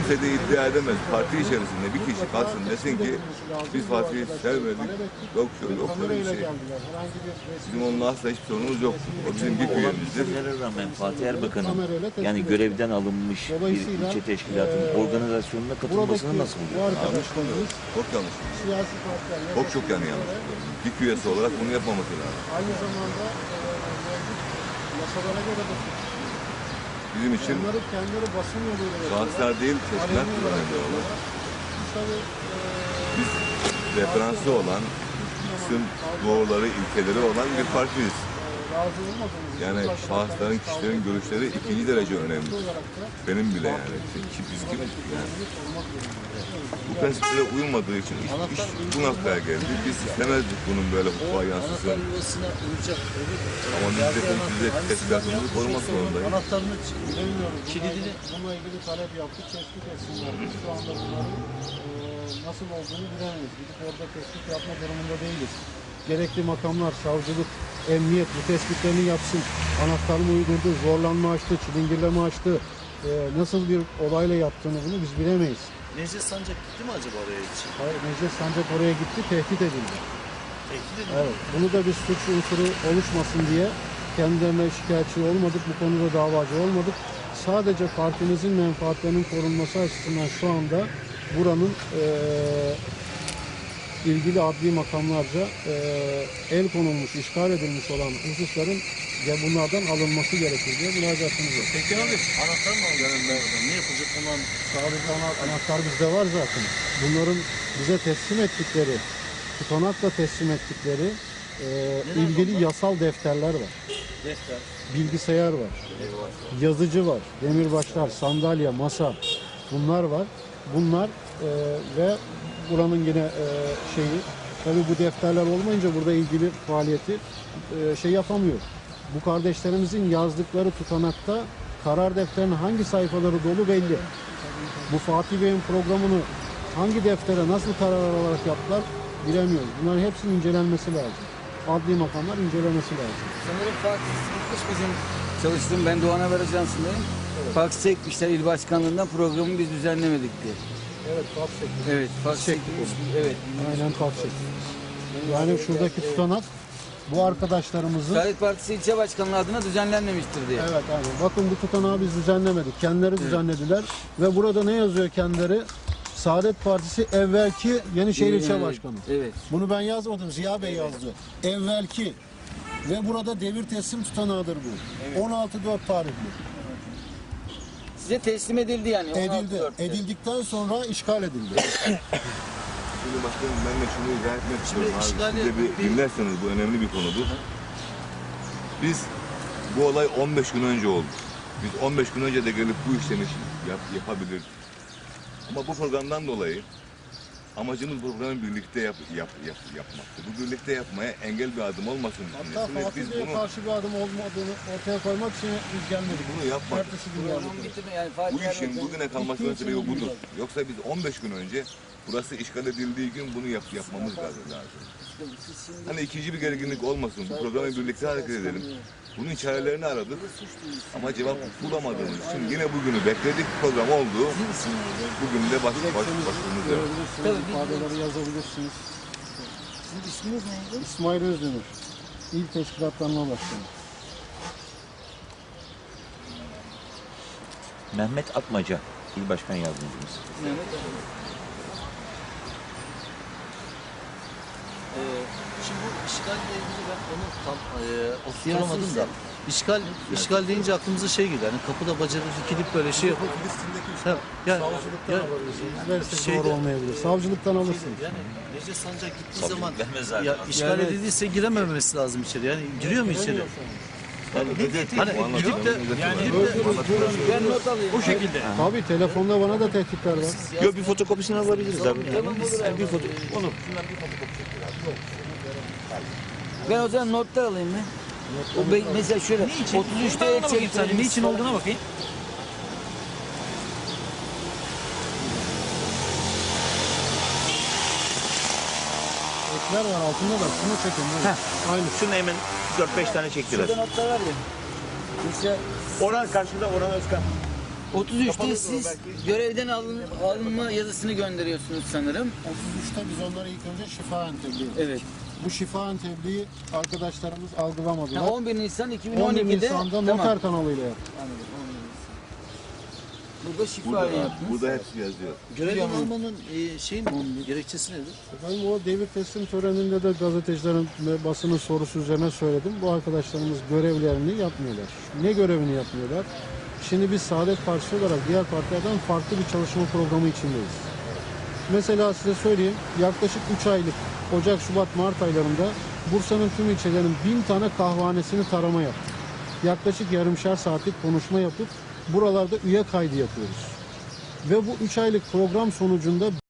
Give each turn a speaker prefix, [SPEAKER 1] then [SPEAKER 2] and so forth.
[SPEAKER 1] Kimse de iddia edemez. Parti içerisinde bir kişi kalsın desin ki biz Fatih'i sevmedik. Yok şöyle, yok böyle bir şey. Bizim onunla asla hiçbir sorunumuz yok. O bizim bir üyemizdir.
[SPEAKER 2] Olabilir rağmen Fatih Erbakan'ın yani görevden alınmış bir ilçe teşkilatının organizasyonuna katılmasını nasıl buluyor?
[SPEAKER 1] Yanlış buluyorum. Çok yanlış buluyorum. Çok yani yanlış buluyorum. Bir üyesi olarak bunu yapmaması lazım.
[SPEAKER 3] Aynı zamanda yasalara göre de
[SPEAKER 1] Bizim için
[SPEAKER 3] onları kendileri basın yoluyla
[SPEAKER 1] şahıslar değil, teşkilat önemli olan. Biz referansı olan, bizim doğruları, ilkeleri olan bir partiyiz. Yani şahısların, kişilerin görüşleri ikinci derece önemli. Benim bile yani. Biz kimiz yani. Bu prensiplere uyulmadığı için iş bu noktaya geldi. Biz istemezdik bunun böyle hukuka yansısın. Ama biz de teşkilatımızı korumak zorundayız.
[SPEAKER 3] Anahtarını kilidini bununla ilgili talep yaptık, tespit etsinler. Biz şu anda bunların nasıl olduğunu bilemeyiz. Gidip orada tespit yapma durumunda değiliz. Gerekli makamlar, savcılık, emniyet bu tespitlerini yapsın. Anahtarını uydurdu, zorlanma açtı, çilingirleme açtı. Nasıl bir olayla yaptığını bunu biz bilemeyiz.
[SPEAKER 4] Necdet Sancak gitti mi acaba oraya hiç?
[SPEAKER 3] Hayır, Necdet Sancak oraya gitti, tehdit edildi.
[SPEAKER 4] Tehdit edildi.
[SPEAKER 3] Evet, bunu da bir suç unsuru oluşmasın diye kendilerine şikayetçi olmadık, bu konuda davacı olmadık. Sadece partimizin menfaatlerinin korunması açısından şu anda buranın ilgili adli makamlarca el konulmuş, işgal edilmiş olan hususların bunlardan alınması gerekir diye müracaatımız var.
[SPEAKER 4] Peki abi anahtar mı alacak? Ne yapacak ondan?
[SPEAKER 3] Sadece anahtar bizde var zaten. Bunların bize teslim ettikleri, tutanakla teslim ettikleri ilgili yasal defterler var.
[SPEAKER 4] Defter.
[SPEAKER 3] Bilgisayar var. Yazıcı var. Demirbaşlar, sandalye, masa bunlar var. Bunlar ve buranın yine şeyi tabii bu defterler olmayınca burada ilgili faaliyeti şey yapamıyor. Bu kardeşlerimizin yazdıkları tutanakta karar defterinin hangi sayfaları dolu belli. Bu Fatih Bey'in programını hangi deftere nasıl karar alarak yaptılar bilemiyoruz. Bunların hepsinin incelenmesi lazım. Adli makamlar incelemesi lazım.
[SPEAKER 5] Sanırım Fatih Sıkmış bizim çalıştığım, ben Doğan Haber Ajansı'ndayım. Evet. Fax çekmişler il başkanlığından, programı biz düzenlemedik diye.
[SPEAKER 3] Evet, fax çektik.
[SPEAKER 5] Evet, fax çekmiş. Evet.
[SPEAKER 3] Aynen fax çektik. Yani şuradaki tutanak bu arkadaşlarımızın...
[SPEAKER 5] Saadet Partisi ilçe başkanlığı adına düzenlenmemiştir diye.
[SPEAKER 3] Evet, aynen. Bakın bu tutanağı biz düzenlemedik. Kendileri düzenlediler. Ve burada ne yazıyor kendileri? Saadet Partisi evvelki Yenişehir İlçe Başkanı.
[SPEAKER 5] Evet.
[SPEAKER 3] Bunu ben yazmadım, Ziya Bey yazdı. Evvelki. Ve burada devir teslim tutanağıdır bu. Evet. 16.4 tarihli.
[SPEAKER 5] Size teslim edildi yani.
[SPEAKER 3] Edildi. Edildikten sonra işgal edildi.
[SPEAKER 1] Şimdi başkanım ben de şunu izah etmek istiyorum.
[SPEAKER 4] işgali-
[SPEAKER 1] Siz de bir dinlerseniz bu önemli bir konudur. Biz bu olay 15 gün önce oldu. Biz 15 gün önce de gelip bu işlemi yapabilirdik. Ama bu programdan dolayı amacımız bu programı birlikte yapmaktı. Bu birlikte yapmaya engel bir adım olmasın
[SPEAKER 3] Hatta
[SPEAKER 1] düşüncesinde
[SPEAKER 3] Fatih
[SPEAKER 1] biz
[SPEAKER 3] Bey'e
[SPEAKER 1] bunu
[SPEAKER 3] karşı bir adım olmadığını ortaya koymak için biz gelmedik.
[SPEAKER 1] Bunu yapmadık.
[SPEAKER 3] Ertesi gün geldik.
[SPEAKER 5] Yani
[SPEAKER 1] Bu
[SPEAKER 5] Fatih
[SPEAKER 1] işin
[SPEAKER 5] Erbakan-
[SPEAKER 1] bugüne kalmasının sebebi budur. Yoksa biz 15 gün önce burası işgal edildiği gün bunu yapmamız lazım. Hani ikinci bir gerginlik olmasın. Bu programı birlikte hareket edelim. Bunun çarelerini aradık. Ama cevap bulamadığımız için yine bugünü bekledik. Program oldu. Bugün de başımızda.
[SPEAKER 3] Görebilirsiniz, ifadeleri yazabilirsiniz.
[SPEAKER 5] Sizin isminiz neydi?
[SPEAKER 3] İsmail Özdemir, İl Teşkilatlanma Başkanı.
[SPEAKER 2] Mehmet Atmaca, il başkan yardımcımız.
[SPEAKER 5] Mehmet abi.
[SPEAKER 4] Şimdi bu işgalle ilgili ben onu tam oturtamadım da. İşgal deyince aklımıza şey geliyor. Yani kapıda bacağı kilip böyle şey yapıp. Ha, yani,
[SPEAKER 3] Savcılıktan alabilirsiniz. Versek
[SPEAKER 4] şeyde-
[SPEAKER 3] doğru olmayabilir. Savcılıktan alırsınız.
[SPEAKER 4] Yani Necdet Sancak gittiği
[SPEAKER 2] Tabii,
[SPEAKER 4] zaman
[SPEAKER 2] vermez zaten.
[SPEAKER 4] ya işgal
[SPEAKER 3] Evet.
[SPEAKER 4] edildiyse girememesi lazım içeri. Yani giriyor mu içeri? Yani hani gidip de
[SPEAKER 5] Ben not alayım.
[SPEAKER 4] bu şekilde.
[SPEAKER 3] Tabii telefonda bana da tehditler var.
[SPEAKER 2] Yok bir fotokopisini alabiliriz abi. Yani bir foto onu.
[SPEAKER 5] Ben o zaman notlar alayım mı? Mesela şöyle 33'te el çekti.
[SPEAKER 4] Niçin olduğuna bakayım.
[SPEAKER 3] Ekler var altında da şunu çekin. Böyle. Aynı.
[SPEAKER 2] Şunu hemen 4-5 tane çektiler.
[SPEAKER 5] Şurada notlar var ya. Mesela
[SPEAKER 2] Orhan karşıda Orhan Özkan.
[SPEAKER 5] 33'te siz görevden alınma yazısını gönderiyorsunuz sanırım.
[SPEAKER 3] 33'te biz onları ilk önce şifaen tebliğ ettik.
[SPEAKER 5] Evet.
[SPEAKER 3] Bu şifaen tebliği arkadaşlarımız algılamadılar.
[SPEAKER 5] Ha, 11 Nisan
[SPEAKER 3] 11
[SPEAKER 5] 2012'de
[SPEAKER 3] Nisan'da noter kanalıyla yaptık.
[SPEAKER 5] Burada şifa
[SPEAKER 1] Burada,
[SPEAKER 5] yaptınız.
[SPEAKER 1] burada hepsi yazıyor.
[SPEAKER 4] Görevden almanın şeyi mi? Gerekçesi nedir?
[SPEAKER 3] Efendim o devir teslim töreninde de gazetecilerin ve basının sorusu üzerine söyledim. Bu arkadaşlarımız görevlerini yapmıyorlar. Ne görevini yapmıyorlar? Şimdi biz Saadet Partisi olarak diğer partilerden farklı bir çalışma programı içindeyiz. Mesela size söyleyeyim, yaklaşık 3 aylık Ocak, Şubat, Mart aylarında Bursa'nın tüm ilçelerinin 1000 tane kahvanesini tarama yaptık. Yaklaşık yarımşar saatlik konuşma yapıp buralarda üye kaydı yapıyoruz. Ve bu 3 aylık program sonucunda